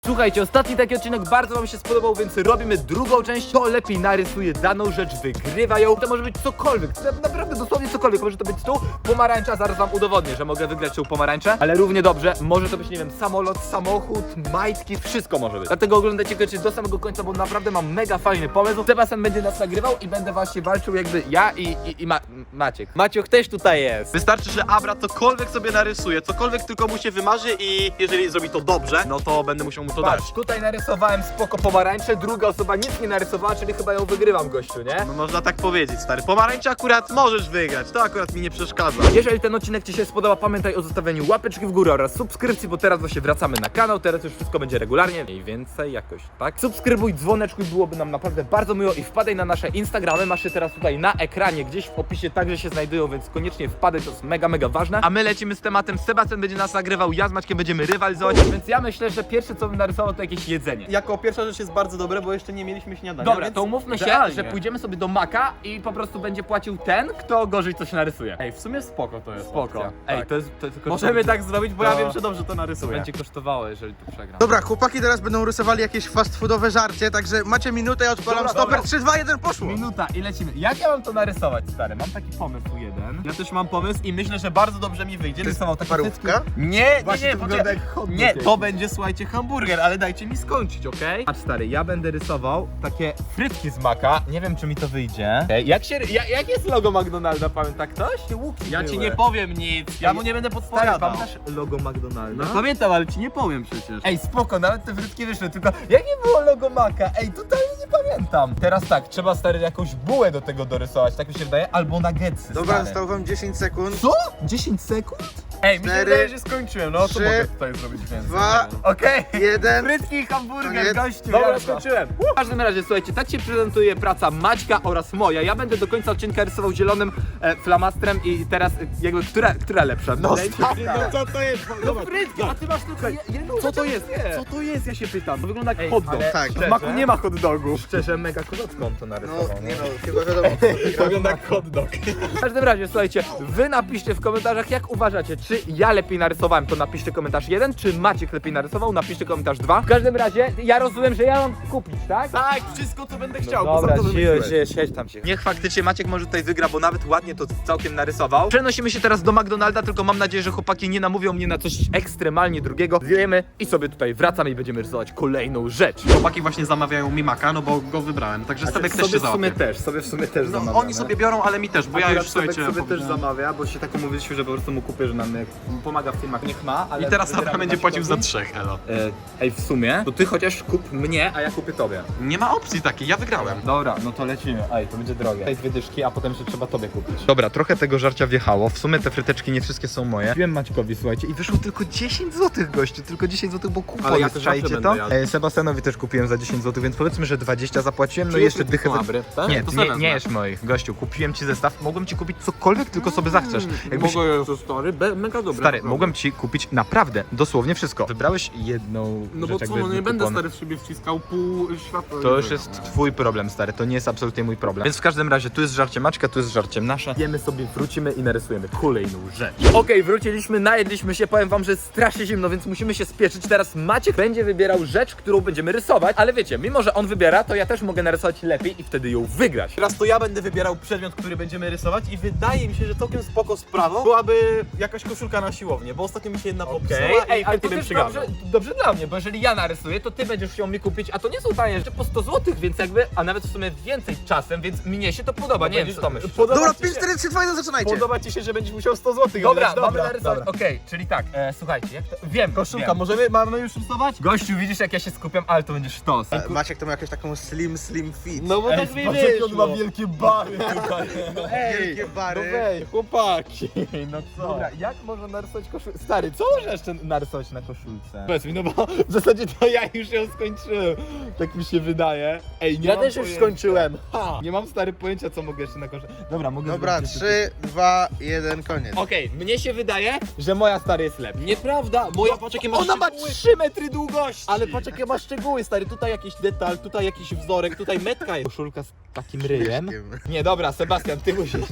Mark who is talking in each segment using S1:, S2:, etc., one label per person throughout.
S1: Słuchajcie, ostatni taki odcinek bardzo wam się spodobał, więc robimy drugą część. Kto lepiej narysuje daną rzecz, wygrywa ją. To może być cokolwiek, naprawdę dosłownie cokolwiek. Może to być tu pomarańcza, zaraz wam udowodnię, że mogę wygrać tą pomarańczę. Ale równie dobrze, może to być, nie wiem, samolot, samochód, majtki, wszystko może być. Dlatego oglądajcie koniecznie do samego końca, bo naprawdę mam mega fajny pomysł. Sebastian będzie nas nagrywał i będę właśnie walczył jakby ja i Maciek. Maciek też tutaj jest.
S2: Wystarczy, że Abra cokolwiek sobie narysuje, cokolwiek tylko mu się wymarzy i jeżeli zrobi to dobrze, no to będę musiał mu to dać.
S1: Patrz, tutaj narysowałem spoko pomarańczę, druga osoba nic nie narysowała, czyli chyba ją wygrywam, gościu, nie?
S2: No można tak powiedzieć, stary. Pomarańcze akurat możesz wygrać, to akurat mi nie przeszkadza.
S1: Jeżeli ten odcinek ci się spodoba, pamiętaj o zostawieniu łapeczki w górę oraz subskrypcji, bo teraz właśnie wracamy na kanał, teraz już wszystko będzie regularnie, mniej więcej jakoś, tak? Subskrybuj, dzwoneczkuj, byłoby nam naprawdę bardzo miło i wpadaj na nasze Instagramy, masz je teraz tutaj na ekranie, gdzieś w opisie także się znajdują, więc koniecznie wpadaj, to jest mega ważne. A my lecimy z tematem, Sebastian będzie nas nagrywał, ja z Maćkiem będziemy rywalizować, więc ja myślę, że pierwsze co bym narysował to jakieś jedzenie.
S2: Jako pierwsza rzecz jest bardzo dobre, bo jeszcze nie mieliśmy śniadania.
S1: Dobra,
S2: więc
S1: to umówmy się,
S2: idealnie.
S1: że pójdziemy sobie do Maka i po prostu będzie płacił ten, kto gorzej coś narysuje.
S2: Ej, w sumie spoko to jest.
S1: Spoko.
S2: opcja.
S1: Ej,
S2: Tak.
S1: to jest tylko
S2: Możemy tak zrobić, bo
S1: To-
S2: ja wiem, że dobrze to narysuję.
S1: będzie kosztowało, jeżeli to przegram.
S3: Dobra, chłopaki teraz będą rysowali jakieś fast foodowe żarcie, także macie minutę, ja odpalam
S1: Dobra,
S3: stoper,
S1: dobra.
S3: 3, 2, 1, poszło!
S1: Minuta i lecimy. Jak ja mam to narysować, stary? Mam taki pomysł jeden.
S2: Ja też mam pomysł i myślę, że bardzo dobrze mi wyjdzie.
S3: Rysował
S2: takie
S3: parówka?
S2: Nie,
S1: Właśnie
S2: nie,
S1: to wygląda jak hot dog
S2: nie,
S1: jakiś.
S2: to będzie, słuchajcie, hamburger, ale dajcie mi skończyć, okej?
S1: A stary, ja będę rysował takie frytki z Maka. Nie wiem, czy mi to wyjdzie. Okay. Jak jest logo McDonalda, pamięta ktoś?
S2: Ja ci nie powiem nic, ja mu nie będę
S1: Stary,
S2: podpowiadał.
S1: pamiętasz logo McDonalda?
S2: No pamiętam, ale ci nie powiem przecież.
S1: Ej, spoko, nawet te frytki wyszły, tylko jakie było logo Maka? Ej, totalnie nie pamiętam. Teraz tak, trzeba stary jakąś bułę do tego dorysować, tak mi się wydaje, albo nuggetsy.
S3: Dobra,
S1: stary.
S3: zostało wam 10 sekund.
S1: Co? 10 sekund?
S2: Ej, mi się
S3: 4,
S2: wydaje, że skończyłem, no co
S3: 3,
S2: mogę tutaj zrobić więcej?
S3: 2,
S1: Okej.
S3: 1.
S1: Frytki i hamburger,
S3: Koniec.
S1: gościu.
S2: Dobra,
S1: jazda.
S2: skończyłem.
S1: W każdym razie, słuchajcie, tak się prezentuje praca Maćka oraz moja. Ja będę do końca odcinka rysował zielonym flamastrem i teraz jakby, która lepsza?
S2: No
S1: Wydaje mi się,
S2: stary,
S1: że
S2: no co to jest?
S1: no frytki, a ty masz tylko jedną
S2: Co to
S1: rzecz,
S2: jest?
S1: nie.
S2: Co to jest? Ja się pytam. To wygląda jak
S1: Ej,
S2: hot dog.
S1: ale
S3: Tak.
S2: W Maku nie ma hot dogów.
S1: Szczerze, mega kozocką to
S3: No,
S1: narysował.
S3: nie no, chyba wiadomo.
S2: To wygląda jak hot dog.
S1: W każdym razie, słuchajcie, wy napiszcie w komentarzach, jak uważacie, czy ja lepiej narysowałem, to napiszcie komentarz 1, czy Maciek lepiej narysował, napiszcie komentarz 2. W każdym razie, ja rozumiem, że ja mam kupić, tak?
S2: Tak, wszystko co będę chciał,
S1: Dobra,
S2: bo za to wymyśliłeś.
S1: siedź tam się. Niech faktycznie Maciek może tutaj wygra, bo nawet ładnie to całkiem narysował. Przenosimy się teraz do McDonalda, tylko mam nadzieję, że chłopaki nie namówią mnie na coś ekstremalnie drugiego. Zjemy i sobie tutaj wracamy i będziemy rysować kolejną rzecz.
S2: Chłopaki właśnie zamawiają mi maka, no bo go wybrałem, także Sebek też się załapie.
S1: sobie w sumie też
S2: No oni sobie biorą, ale mi też, bo ja już słuchajcie...
S1: sobie też
S2: powiedziałem.
S1: zamawia, bo się tak umówiliśmy, że po prostu mu kupię, że nam pomaga w filmach, niech ma, ale...
S2: I teraz Abra
S1: wybieramy
S2: będzie płacił za
S1: Maćkowi.
S2: 3, elo.
S1: Ej, w sumie, to ty chociaż kup mnie, a ja kupię tobie.
S2: Nie ma opcji takiej, ja wygrałem.
S1: Dobra, no to lecimy. Ej, to będzie drogie. Ej, 2 dyszki, a potem jeszcze trzeba tobie kupić. Dobra, trochę tego żarcia wjechało. W sumie te fryteczki nie wszystkie są moje. Kupiłem Maćkowi, słuchajcie, i wyszło tylko 10 zł, gościu. Tylko 10 zł, bo kupon
S2: Ale ja
S1: jest,
S2: też
S1: czajcie
S2: zawsze
S1: to?
S2: będę jadł.
S1: Sebastianowi też kupiłem za 10 zł, więc powiedzmy, że 20 zapłaciłem, no i
S2: Czyje
S1: jeszcze
S2: frytki
S1: dychę...
S2: są Abry? Tak?
S1: Nie,
S2: To
S1: ty
S2: sobie
S1: nie
S2: wezmę.
S1: jesz moich. Gościu, kupiłem ci zestaw, mogłem ci kupić cokolwiek, tylko sobie zachcesz. Jakbyś...
S2: Mogę je stary, mega dobre.
S1: Stary,
S2: naprawdę.
S1: mogłem ci kupić naprawdę, dosłownie wszystko. Wybrałeś jedną
S2: No bo
S1: rzecz,
S2: co,
S1: jakby
S2: no nie
S1: z
S2: będę
S1: kuponu.
S2: stary w siebie wciskał pół świata.
S1: To już jest twój problem, stary, to nie jest absolutnie mój problem. Więc w każdym razie, tu jest żarcie Maćka, tu jest żarcie nasze. Jemy sobie, wrócimy i narysujemy kolejną rzecz. Okej, wróciliśmy, najedliśmy się, powiem wam, że jest strasznie zimno, więc musimy się spieszyć. Teraz Maciek będzie wybierał rzecz, którą będziemy rysować, ale wiecie, mimo że on wybiera, to ja też mogę narysować lepiej i wtedy ją wygrać.
S2: Teraz to ja będę wybierał przedmiot, który będziemy rysować i wydaje mi się, że całkiem spoko sprawą byłaby jakaś koszulka na siłownię, bo ostatnio mi się jedna popsuła i
S1: ale to
S2: bym
S1: też
S2: przygarnął.
S1: dobrze dla mnie, bo jeżeli ja narysuję, to ty będziesz chciał mi kupić, a to nie są tanie rzeczy po 100 zł, więc jakby, a nawet w sumie więcej czasem, więc mnie się to podoba, nie wiem co to myślisz.
S3: Dobra, 5, 4, 3, 2, 1, zaczynajcie!
S2: Podoba ci się, że będziesz musiał 100 zł
S1: Dobra, mamy narysować. Okej, czyli tak, słuchajcie, jak to... Wiem,
S2: Koszulka,
S1: wiem.
S2: mamy już rysować?
S1: Gościu, widzisz jak ja się skupiam, ale to będzie sztos.
S3: Maciek to ma jakąś taką slim fit.
S2: No bo tak mi wyszło.
S1: wielkie bary tutaj.
S3: Wielkie bary.
S2: Weź, chłopaki.
S1: No co? Dobra, jak można narysować koszulkę? Stary, co można jeszcze narysować na koszulce?
S2: Powiedz mi, no bo w zasadzie to ja już ją skończyłem. Tak mi się wydaje. Ej, nie
S1: Ja
S2: mam
S1: też już
S2: pojęcia.
S1: skończyłem.
S2: Ha.
S1: Nie mam stary pojęcia, co mogę jeszcze na koszulce. Dobra, mogę
S3: Dobra,
S1: zrobić jeszcze
S3: 3, 2, 1, koniec.
S1: Okej, mnie się wydaje, że moja stary jest lepsza.
S2: Nieprawda, moja patrz jakie masz
S1: Ona ma
S2: szczegóły.
S1: 3 metry długości!
S2: Ale patrz jakie masz szczegóły, stary. Tutaj jakiś detal, tutaj jakiś wzorek, tutaj metka jest.
S1: Koszulka z takim ryjem.
S3: Myszkiem.
S1: Nie, dobra, Sebastian, ty musisz.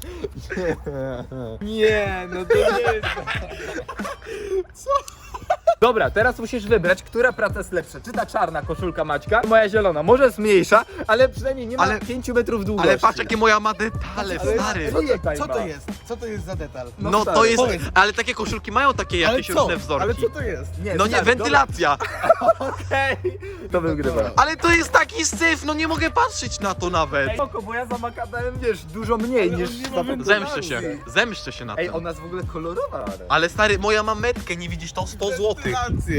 S1: Nie, no to nie jest. Co? Dobra, teraz musisz wybrać, która praca jest lepsza. Czy ta czarna koszulka Maćka, czy moja zielona. Może jest mniejsza, ale przynajmniej nie ma
S3: Ale-
S1: 5 metrów długości.
S3: Ale patrz jakie moja ma detale,
S1: Ale-
S3: stary.
S1: Tutaj
S3: Co to
S1: ma.
S3: jest? Co to jest za detal?
S1: No
S3: to
S1: stary,
S3: jest,
S1: powiedz.
S3: ale takie koszulki mają takie jakieś różne wzorki.
S2: Ale co to jest?
S3: No nie,
S1: stary,
S3: wentylacja.
S1: dobra, Okej, to wygrywa.
S3: Ale to jest taki syf, no nie mogę patrzeć na to nawet.
S1: Ej, spoko, bo ja za makadamem, wiesz, dużo mniej niż...
S3: Zemszczę się na
S1: Ej,
S3: tym.
S1: ona jest w ogóle kolorowa.
S3: Ale stary, moja ma metkę, nie widzisz to? 100 złotych.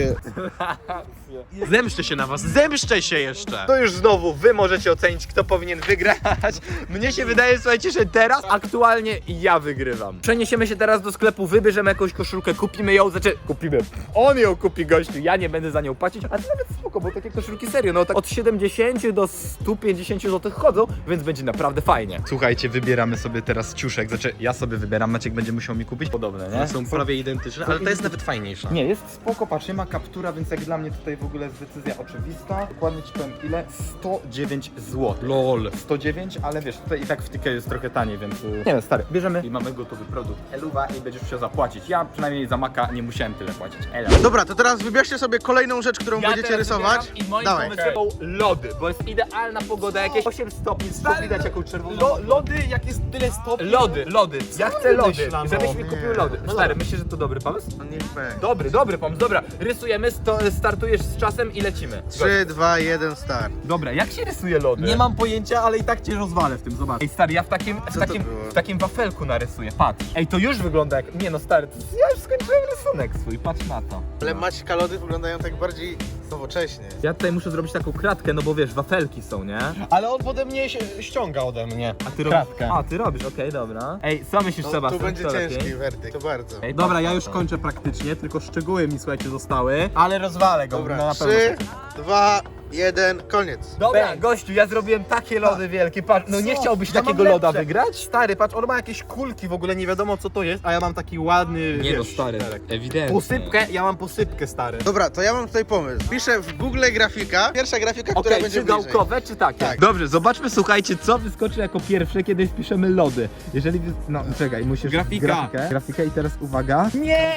S3: Zemszczę się na was, zemszczę się jeszcze.
S1: To już znowu wy możecie ocenić, kto powinien wygrać. Mnie się wydaje, słuchajcie, że teraz aktualnie ja wygrywam. Przeniesiemy się teraz do sklepu, wybierzemy jakąś koszulkę, kupimy ją, kupimy. On ją kupi, gościu, ja nie będę za nią płacić, a to nawet spoko, bo takie koszulki serio, no tak od 70 do 150 zł chodzą, więc będzie naprawdę fajnie. Słuchajcie, wybieramy sobie teraz ciuszek, ja sobie wybieram, Maciek będzie musiał mi kupić. Podobne, nie?
S3: Są prawie identyczne, ale ta jest nawet fajniejsza.
S1: Nie, jest spoko, patrz, nie ma kaptura, więc jak dla mnie tutaj w ogóle jest decyzja oczywista. Dokładnie ci powiem ile? 109 zł.
S3: LOL.
S1: 109, ale wiesz, tutaj i tak w Ticket jest trochę taniej, więc... Nie wiem, stary, bierzemy i mamy gotowy produkt. Eluwa i będziesz musiał zapłacić. Ja przynajmniej za Maka nie musiałem tyle płacić. Ela.
S3: Dobra, to teraz wybierzcie sobie kolejną rzecz, którą będziecie
S1: teraz
S3: rysować.
S1: wybieram I moim
S3: Dawaj.
S1: pomysłem są lody, bo jest idealna pogoda, jakieś 8 stopni, stop widać jaką czerwoną.
S2: Lody, jak jest tyle stopni.
S1: Lody. Ja chcę lody,
S2: wymyślano?
S1: żebyś mi kupił lody.
S3: No
S1: Stary,
S3: dobra.
S1: myślisz, że to dobry pomysł?
S3: No niech będzie.
S1: Dobry pomysł, dobra. Rysujemy, startujesz z czasem i lecimy.
S3: 3, 2, 1, start.
S1: Dobra, jak się rysuje lody?
S2: Nie mam pojęcia, ale i tak cię rozwalę w tym, zobacz.
S1: Ej stary, ja w takim wafelku narysuję, patrz. Ej, to już wygląda jak... Nie no stary, ja już skończyłem rysunek swój, patrz na to.
S3: Ale Maćka lody wyglądają tak bardziej nowocześnie.
S1: Ja tutaj muszę zrobić taką kratkę, no bo wiesz, wafelki są, nie?
S2: Ale on pode mnie się ściąga ode mnie.
S1: A ty
S2: Kratkę.
S1: A, ty robisz, okej, dobra. Ej, co myślisz,
S3: No,
S1: Sebastian?
S3: tu będzie
S1: co
S3: ciężki
S1: lepiej?
S3: werdykt, to bardzo.
S1: Ej,
S2: Dobra,
S1: patrz
S2: ja
S1: na
S2: już
S1: to.
S2: kończę praktycznie, tylko szczegóły mi słuchajcie zostały. Ale rozwalę go, no
S3: Dobra,
S2: na
S3: 3,
S2: pewno.
S3: 2, 1, koniec.
S1: Dobra,
S2: Bang.
S1: gościu, ja zrobiłem takie lody wielkie, patrz, no nie
S2: Co?
S1: chciałbyś
S2: Ja mam
S1: takiego loda
S2: lepsze.
S1: wygrać?
S2: Stary, patrz, on ma jakieś kulki, w ogóle nie wiadomo co to jest, a ja mam taki ładny, wiesz,
S1: ewidentnie.
S2: posypkę, ja mam posypkę, stary.
S3: Dobra, to ja mam tutaj pomysł. Piszę w Google grafika, pierwsza grafika, która
S1: Okej,
S3: będzie
S1: czy
S3: bliżej.
S1: gałkowe, czy takie?
S3: Tak.
S1: Dobrze, zobaczmy, słuchajcie, co wyskoczy jako pierwsze, kiedy wpiszemy lody. Jeżeli... No, czekaj, musisz...
S2: Grafika.
S1: Grafikę i teraz uwaga. Nie!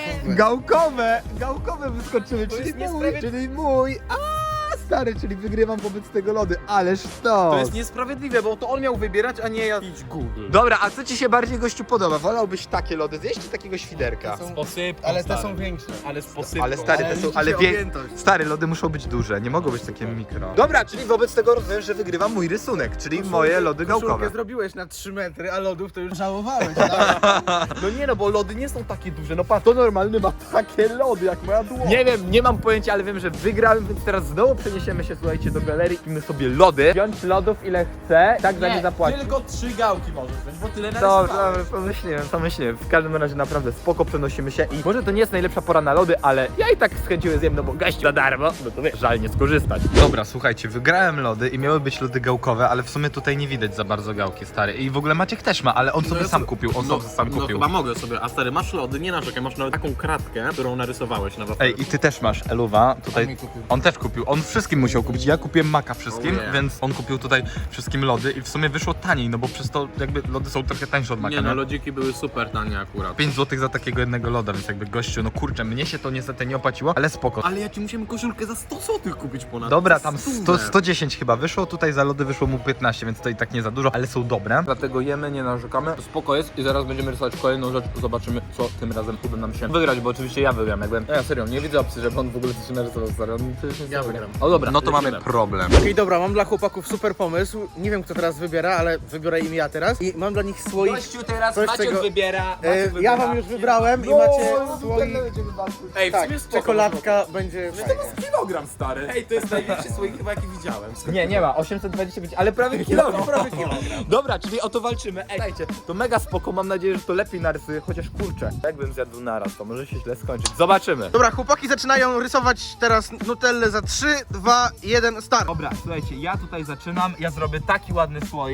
S1: Gałkowe wyskoczyły, czyli mój, czyli mój. Stary, czyli wygrywam wobec tego lody, ależ
S2: To jest niesprawiedliwe, bo to on miał wybierać, a nie ja. Idź Google.
S1: Dobra, a co ci się bardziej, gościu, podoba? Wolałbyś takie lody zjeść, czy takiego świderka?
S3: Są-
S2: Posypką,
S3: Ale te
S2: stary.
S3: są większe.
S2: Ale z posypką.
S1: Ale stary, te są,
S3: liczy
S1: ale
S3: się objętość.
S1: Stary, lody muszą być duże, nie mogą być takie mikro. Dobra, czyli wobec tego rozumiem, że wygrywam mój rysunek, czyli moje lody
S3: Koszulkę
S1: gałkowe.
S3: zrobiłeś na 3 metry, a lodów to już żałowałeś. Tak?
S2: No nie no, bo lody nie są takie duże, no patrz, to normalny ma takie lody jak moja dłoń.
S1: Nie wiem, nie mam pojęcia, ale wiem, że wygrałem, więc teraz znowu przeniesiemy się, słuchajcie, do galerii i my sobie lody. Wziąć lodów ile chcę, tak za nie zapłacić.
S2: tylko 3 gałki możesz wziąć, bo tyle
S1: Dobra,
S2: narysowałeś.
S1: pomyśliłem. W każdym razie naprawdę spoko, przenosimy się i może to nie jest najlepsza pora na lody, ale ja i tak z chęcią je zjem, no bo gość za darmo, no to wiesz, żal nie skorzystać. Dobra, słuchajcie, wygrałem lody i miały być lody gałkowe, ale w sumie tutaj nie widać za bardzo gałki, stary. I w ogóle Maciek też ma, ale on sobie sam kupił,
S2: No chyba mogę sobie, a stary, masz lody, nie narzekaj, masz nawet taką kratkę, którą narysowałeś na wafelku.
S1: Ej, i ty też masz, Eluwa, tutaj.
S3: On mi kupił.
S1: On też kupił, on wszystkim musiał kupić. Ja kupiłem Maka wszystkim,
S2: Oh yeah.
S1: więc on kupił tutaj wszystkim lody i w sumie wyszło taniej, no bo przez to jakby lody są trochę tańsze od Maka.
S2: Nie no, lodziki były super tanie akurat.
S1: 5 zł za takiego jednego loda, więc jakby gościu, no kurczę, mnie się to niestety nie opłaciło, ale spoko.
S2: Ale ja ci musiałem koszulkę za 100 zł kupić ponad.
S1: Dobra,
S2: Za
S1: tam
S2: 100.
S1: 110 chyba wyszło, tutaj za lody wyszło mu 15, więc to i tak nie za dużo, ale są dobre. Dlatego jemy, nie narzekamy, spoko jest i zaraz będziemy rysować kolejną rzecz, zobaczymy co tym razem uda nam się wygrać, bo oczywiście ja wygram, jakby. Ja serio, nie widzę opcji, żeby on w ogóle coś narysował, stary, on przecież nie
S2: Ja wygram.
S1: O dobra, no to
S2: Lecimy.
S1: mamy problem.
S3: Okej, dobra, mam dla chłopaków super pomysł. Nie wiem kto teraz wybiera, ale wybiorę im ja teraz. I mam dla nich słoik.
S1: teraz
S3: Coś, Maciek czego-
S1: wybiera,
S3: Ja wam już wybrałem i
S1: No,
S3: macie słoik.
S2: Ej, w
S3: Tak,
S2: sumie spoko,
S3: czekoladka będzie
S2: no.
S3: fajna.
S2: To jest kilogram, stary. Ej, to jest największy słoik chyba jaki widziałem.
S1: Nie ma, 825, ale prawie kilogram.
S3: Prawie kilogram.
S1: Dobra, czyli o to walczymy. Ej, słuchajcie, to mega spoko, mam nadzieję, że to lepiej narysuję, chociaż kurczę. Jakbym zjadł naraz, to może się źle skończyć. Zobaczymy.
S3: Dobra, chłopaki zaczynają rysować teraz Nutellę za 3, 2, 1, start.
S1: Dobra, słuchajcie, ja tutaj zaczynam, ja zrobię taki ładny słoik,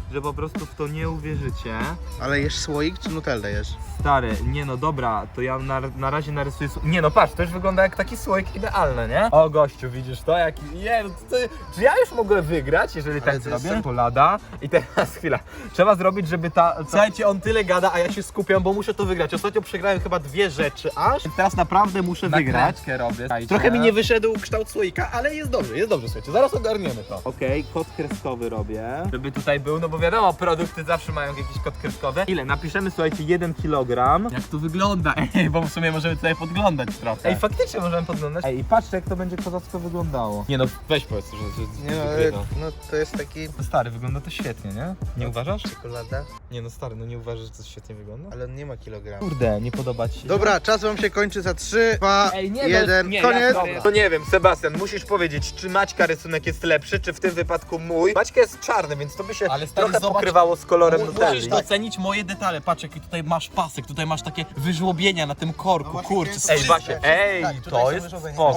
S1: że po prostu w to nie uwierzycie.
S3: Ale jesz słoik czy nutellę jesz?
S1: Stary, nie no dobra, to ja na razie narysuję... Nie no patrz, to już wygląda jak taki słoik idealny, nie? O gościu, widzisz to? Jaki... Nie, no czy ja już mogę wygrać, jeżeli tak
S3: to jest
S1: zrobię? Czekolada. I teraz chwila, trzeba zrobić, żeby ta...
S2: Słuchajcie, on tyle gada, a ja się skupiam, bo muszę to wygrać. Ostatnio przegrałem chyba 2 rzeczy aż. Teraz naprawdę muszę wygrać.
S1: Nakrętkę robię.
S2: Trochę mi nie wyszedł kształt słoika, ale jest dobrze, słuchajcie. Zaraz ogarniemy to.
S1: Okej, kod kreskowy robię. Żeby tutaj był, no bo wiadomo, produkty zawsze mają jakiś kod kreskowy. Ile? Napiszemy, słuchajcie, 1 kg.
S2: Jak to wygląda? Ej, bo w sumie możemy tutaj podglądać trochę.
S1: Ej, faktycznie możemy podglądać. Ej, i patrzcie, jak to będzie kozacko wyglądało. Nie no, weź powiedz, że
S3: Nie no,
S1: wygrywa.
S3: no to jest taki
S1: No stary, wygląda to świetnie, nie? Nie uważasz?
S3: czekolada,
S1: Nie no stary, no nie uważasz, że to świetnie wygląda?
S3: ale on nie ma kilogramu.
S1: Kurde, nie podoba ci się?
S3: Dobra, czas wam się kończy za 3, 2,
S1: Ej, nie,
S3: 1,
S1: nie,
S3: koniec!
S1: To nie wiem, Sebastian, musisz powiedzieć, czy Maćka rysunek jest lepszy, czy w tym wypadku mój. Maćka jest czarny, więc to by się
S2: Ale stary,
S1: trochę
S2: zobacz,
S1: pokrywało z kolorem
S2: Musisz
S1: nutelli.
S2: docenić moje detale. Patrz, jaki tutaj masz pasek, tutaj masz takie wyżłobienia na tym korku,
S3: No właśnie,
S2: kurczę.
S3: to jest-
S1: Ej, właśnie, ej,
S3: Tak, tutaj
S1: to
S3: są
S1: jest
S3: wyżłobienia.
S1: spoko.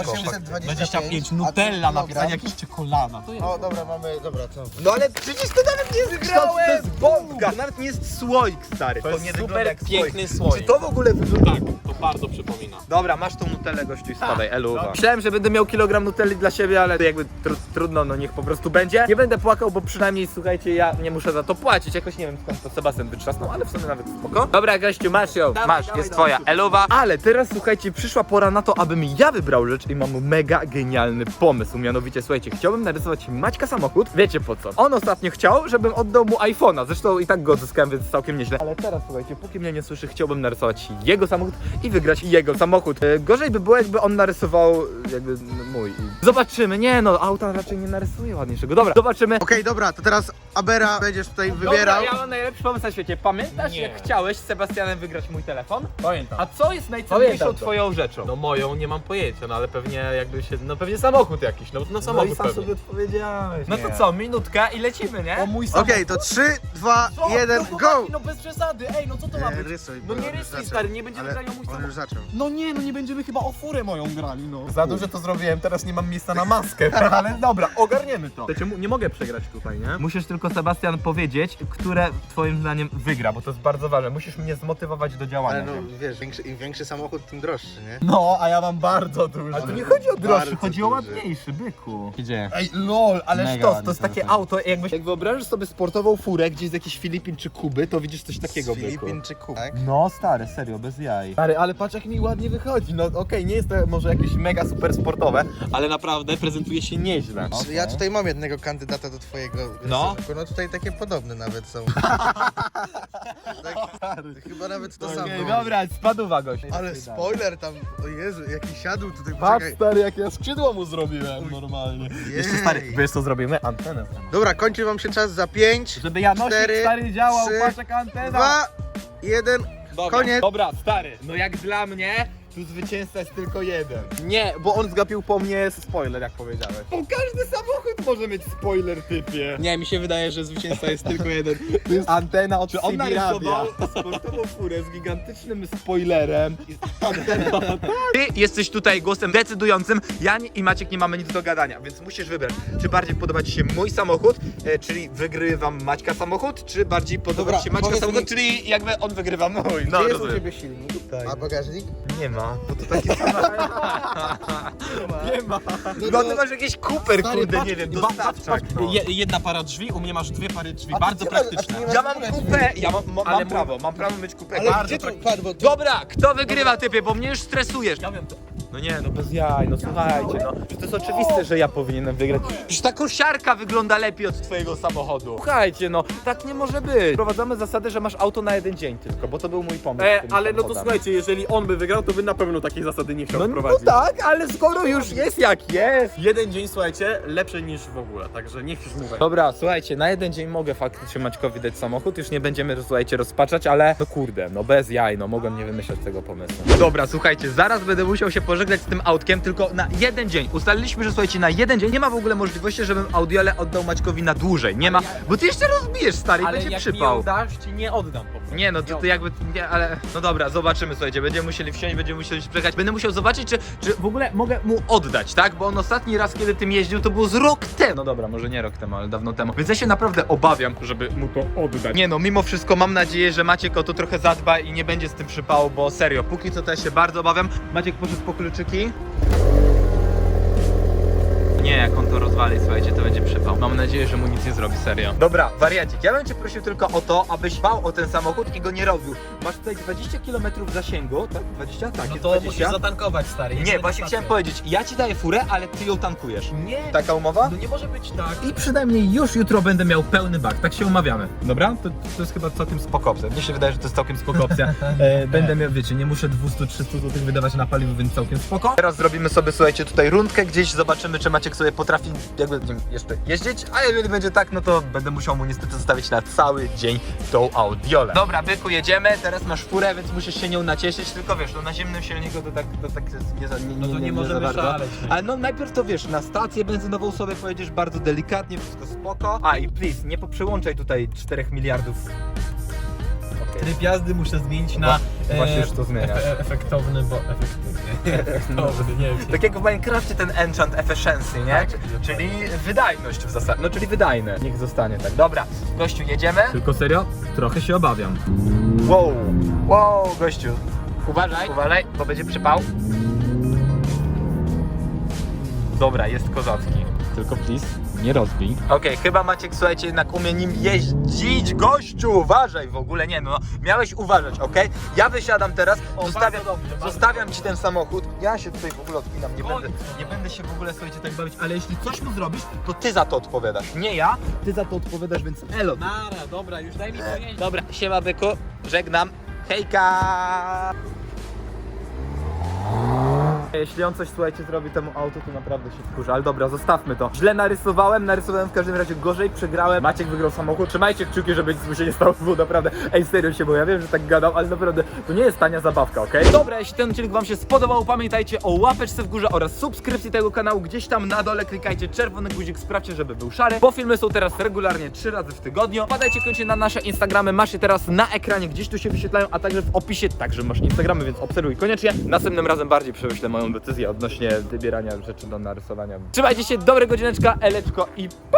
S2: 25,
S3: a
S2: Nutella,
S3: kilogram.
S2: napisanie jakieś czekolada. To jest.
S3: O, dobra, mamy, dobra, co?
S1: No ale przecież to nawet nie jest kształt, to jest bombka, to nawet nie jest słoik, stary.
S2: To jest
S1: nie
S2: super
S1: wygląda jak
S2: piękny
S1: Czy
S2: słoik.
S1: to w ogóle wygląda?
S2: Tak, to bardzo przypomina.
S1: Dobra, masz tą nutellę, gościu, i spadaj, eluwa. Myślałem, że będę miał kilogram nutelli dla siebie, ale to jakby trudno, no niech po prostu będzie. Nie będę płakał, bo przynajmniej, słuchajcie, ja nie muszę za to płacić. Jakoś nie wiem, skąd to Sebastian wytrzasnął, ale w sumie nawet spoko. Dobra, gościu, masz ją, masz, jest twoja, eluwa. Ale teraz, słuchajcie, przyszła pora na to, abym ja wybrał rzecz i mam mega genialny pomysł. Mianowicie, słuchajcie, chciałbym narysować Maćka samochód. Wiecie po co? On ostatnio chciał, żebym oddał mu iPhone'a. Zresztą i tak go odzyskałem, więc całkiem nieźle. Ale teraz, słuchajcie, póki mnie nie słyszy, chciałbym narysować jego samochód i wygrać jego samochód. Gorzej by było, jakby on narysował jakby mój. Zobaczymy. Nie no, auta raczej nie narysuje ładniejszego. Dobra, zobaczymy.
S3: Okej, dobra, to teraz Abera będziesz tutaj wybierał.
S1: Dobra, ja mam najlepszy pomysł na świecie. Pamiętasz,
S2: Nie.
S1: jak chciałeś z Sebastianem wygrać mój telefon?
S2: Pamiętam.
S1: A co jest najcenniejszą
S2: Pamiętam to.
S1: twoją rzeczą?
S2: No moją nie mam pojęcia, no ale pewnie jakby się, no pewnie samochód jakiś, no samochód pewnie.
S1: odpowiedziałeś. No to co, minutka i lecimy, nie?
S2: O mój samochód.
S3: Okej, to 3, 2,
S2: Co?
S3: 1,
S2: no,
S3: go!
S2: chłopaki, no bez przesady, ej, no co to ma być?
S3: Rysuj,
S2: No
S3: bo
S2: nie
S3: on już
S2: rysuj,
S3: zaczął.
S2: stary, nie będziemy
S3: Ale
S2: grali o mój
S3: on
S2: samochód.
S3: już zaczął.
S2: No nie, no nie będziemy chyba o furę moją grali, no. Za dużo to zrobiłem, teraz nie mam miejsca na maskę, ale dobra, ogarniemy to. Nie mogę przegrać tutaj, nie?
S1: Musisz tylko, Sebastian, powiedzieć, które twoim zdaniem wygra, bo to jest bardzo ważne. Musisz mnie zmotywować do działania.
S3: Ale no wiesz, im większy samochód, tym droższy, nie?
S2: No, a ja mam bardzo dużo.
S1: Ale to nie chodzi o droższy,
S3: Bardzo
S1: chodzi o
S3: duży.
S1: ładniejszy, byku. Gdzie?
S2: Ej, lol, ale
S1: Mega
S2: sztos,
S1: ładny
S2: to jest takie
S1: samochód.
S2: auto, jak wyobrażasz sobie sportową furę gdzieś z jakichś Filipin czy Kuby, to widzisz coś takiego,
S3: Z
S2: byku.
S3: Filipin czy Kub, tak?
S1: No stary, serio, bez jaj.
S2: Stary, ale patrz jak mi ładnie wychodzi, no okej, nie jest to może jakieś mega super sportowe, ale naprawdę prezentuje się nieźle.
S3: Czy Ja tutaj mam jednego kandydata do twojego
S2: No.
S3: rysunku, no tutaj takie podobne nawet są. tak, chyba nawet to samo.
S1: Okej, dobra, spadła gość.
S3: Ale spoiler tam, o Jezu, jaki siadł tutaj,
S2: Patrz
S3: poczekaj.
S2: stary, jak ja skrzydło mu zrobiłem normalnie.
S3: Jej.
S2: Jeszcze stary, wiesz co zrobimy? Antenę.
S3: Dobra, kończy wam się czas za 5,
S1: Żeby Janosik
S3: 4,
S1: stary działał,
S3: 3,
S1: patrz jaka antena.
S3: 2, 1,
S2: Dobra,
S3: koniec.
S2: Dobra, stary.
S1: No jak dla mnie, tu zwycięzca jest tylko jeden.
S2: Nie, bo on zgapił po mnie spoiler, jak powiedziałeś.
S1: Bo każdy samochód może mieć spoiler, typie.
S2: Nie, mi się wydaje, że zwycięzca jest tylko jeden. To jest antena od
S1: Czy on
S2: CB radia.
S1: narysował sportową furę z gigantycznym spoilerem i anteną? Ty jesteś tutaj głosem decydującym, ja i Maciek nie mamy nic do gadania, więc musisz wybrać, czy bardziej podoba ci się mój samochód, czyli wygrywam Maćka samochód, czy bardziej podoba
S3: Dobra,
S1: ci się Maćka
S3: powiedz
S1: samochód,
S3: mi-
S1: czyli jakby on wygrywa mój.
S3: Gdzie
S1: No,
S3: jest u
S1: rozumiem.
S3: ciebie silnik?
S1: Tutaj.
S3: A bagażnik?
S1: Nie ma, bo to taki samochód.
S2: Nie ma.
S1: No ty masz jakiś Cooper,
S2: Stary,
S1: kurde,
S2: patrz,
S1: nie wiem,
S2: patrz,
S1: dostawczak.
S2: patrz,
S1: No.
S2: Jedna para drzwi, u mnie masz dwie pary drzwi,
S3: A ty
S2: bardzo
S3: nie masz-
S2: praktyczne.
S3: a ty nie masz-
S1: Ja mam kupę, ja
S2: Ale
S1: mam prawo mieć kupę.
S3: Ale
S2: Bardzo
S3: gdzie tu
S2: praktyczne.
S3: padło?
S1: Dobra, kto wygrywa, typie, bo mnie już stresujesz.
S2: Ja wiem to.
S1: No nie, no bez jaj, no słuchajcie, no. Czy to jest oczywiste, że ja powinienem wygrać? Przecież ta kosiarka wygląda lepiej od twojego samochodu. Słuchajcie, no, tak nie może być. Wprowadzamy zasadę, że masz auto na jeden dzień tylko, bo to był mój pomysł. z tymi
S2: Ale no to
S1: samochodami.
S2: słuchajcie, jeżeli on by wygrał, to by na pewno takiej zasady nie chciał
S1: No
S2: wprowadzić.
S1: tak, ale skoro już jest jak jest.
S2: Jeden dzień, słuchajcie, lepszy niż w ogóle, także niech już mówię.
S1: Dobra, słuchajcie, na jeden dzień mogę faktycznie Maćkowi dać samochód, już nie będziemy, słuchajcie, rozpaczać, ale no kurde, no bez jaj, no mogłem nie wymyślać tego pomysłu. Dobra, słuchajcie, zaraz będę musiał się pożegnać z tym autkiem, tylko na jeden dzień. Ustaliliśmy, że słuchajcie, na jeden dzień nie ma w ogóle możliwości, żebym audiole oddał Maćkowi na dłużej, nie ma, bo ty jeszcze rozbijesz, stary, i
S2: Ale
S1: będzie
S2: jak
S1: przypał.
S2: mi ją dasz, ci nie oddam po
S1: Nie no, to jakby, nie, ale no dobra, zobaczymy, słuchajcie, będziemy musieli wsiąść, będziemy musieli przejechać. Będę musiał zobaczyć, czy w ogóle mogę mu oddać, tak? Bo on ostatni raz, kiedy tym jeździł, to było z rok temu. No dobra, może nie rok temu, ale dawno temu. Więc ja się naprawdę obawiam, żeby mu to oddać. Nie no, mimo wszystko mam nadzieję, że Maciek o to trochę zadba i nie będzie z tym przypału, bo serio, póki co to ja się bardzo obawiam. Maciek poszedł po kluczyki. Nie, jak on to rozwali, słuchajcie, to będzie przypał. Mam nadzieję, że mu nic nie zrobi, serio. Dobra, wariacik, ja bym cię prosił tylko o to, abyś dbał o ten samochód i go nie robił. Masz tutaj 20 km zasięgu, tak? 20? Tak,
S2: No
S1: jest
S2: to
S1: 20.
S2: musisz zatankować, stary.
S1: Nie, właśnie chciałem powiedzieć, ja ci daję furę, ale ty ją tankujesz.
S2: Nie,
S1: Taka umowa?
S2: no nie może być tak.
S1: I przynajmniej już jutro będę miał pełny bak, tak się umawiamy. Dobra? To jest chyba całkiem spoko opcja. Mnie się wydaje, że to jest całkiem spoko opcja. Będę miał, wiecie, nie muszę 200-300 zł wydawać na paliwo, więc całkiem spoko. Teraz zrobimy sobie, słuchajcie, tutaj rundkę gdzieś, zobaczymy, czy Maciek sobie potrafi jakby nim jeszcze jeździć, a jeżeli będzie tak, no to będę musiał mu niestety zostawić na cały dzień tą audiolę. Dobra, byku, jedziemy, teraz masz furę, więc musisz się nią nacieszyć, tylko wiesz, no na zimnym silniku to tak jest
S2: No to nie możemy
S1: za bardzo.
S2: szaleć.
S1: Ale no najpierw to wiesz, na stację benzynową sobie pojedziesz bardzo delikatnie, wszystko spoko. A i please, nie poprzełączaj tutaj 4 miliardów. Okay.
S2: Tryb jazdy muszę zmienić na
S1: Właśnie już to zmieniasz.
S2: efektowny, bo efektowny, nie wiem.
S1: Tak jak w Minecrafcie ten enchant efficiency, nie?
S2: Tak.
S1: Czyli wydajność w zasadzie. No czyli wydajne. Niech zostanie tak. Dobra, gościu, jedziemy? Tylko serio? Trochę się obawiam. Wow, gościu. Uważaj, bo będzie przypał. Dobra, jest kozacki. Tylko please, nie rozbij. Okej, chyba Maciek, słuchajcie, jednak umie nim jeździć. Gościu, uważaj w ogóle, nie no. Miałeś uważać, okej? Ja wysiadam teraz, zostawiam ci ten samochód. Ja się tutaj w ogóle odpinam, nie będę się w ogóle, słuchajcie, tak bawić, ale jeśli coś mu zrobisz, to ty za to odpowiadasz. Nie ja, ty za to odpowiadasz, więc elo.
S2: Nara, dobra, już daj mi pojeździć.
S1: Dobra, siema byku, żegnam. Hejka! Jeśli on coś, słuchajcie, zrobi temu autu, to naprawdę się wkurza, ale dobra, zostawmy to. Źle narysowałem w każdym razie gorzej, przegrałem. Maciek wygrał samochód, trzymajcie kciuki, żeby nic mu się nie stało, bo naprawdę, ej, serio się, bo ja wiem, że tak gadam, ale naprawdę, to nie jest tania zabawka, okej? Dobra, jeśli ten odcinek wam się spodobał, pamiętajcie o łapeczce w górze oraz subskrypcji tego kanału, gdzieś tam na dole klikajcie czerwony guzik, sprawdźcie, żeby był szary, bo filmy są teraz regularnie 3 razy w tygodniu. Wpadajcie koniecznie na nasze Instagramy, masz je teraz na ekranie, gdzieś tu się wyświetlają, a także w opisie także masz Instagramy, więc obserwuj koniecznie. Następnym razem bardziej przemyślę moją decyzję odnośnie wybierania rzeczy do narysowania. Trzymajcie się, dobrego dzieneczka, eleczko i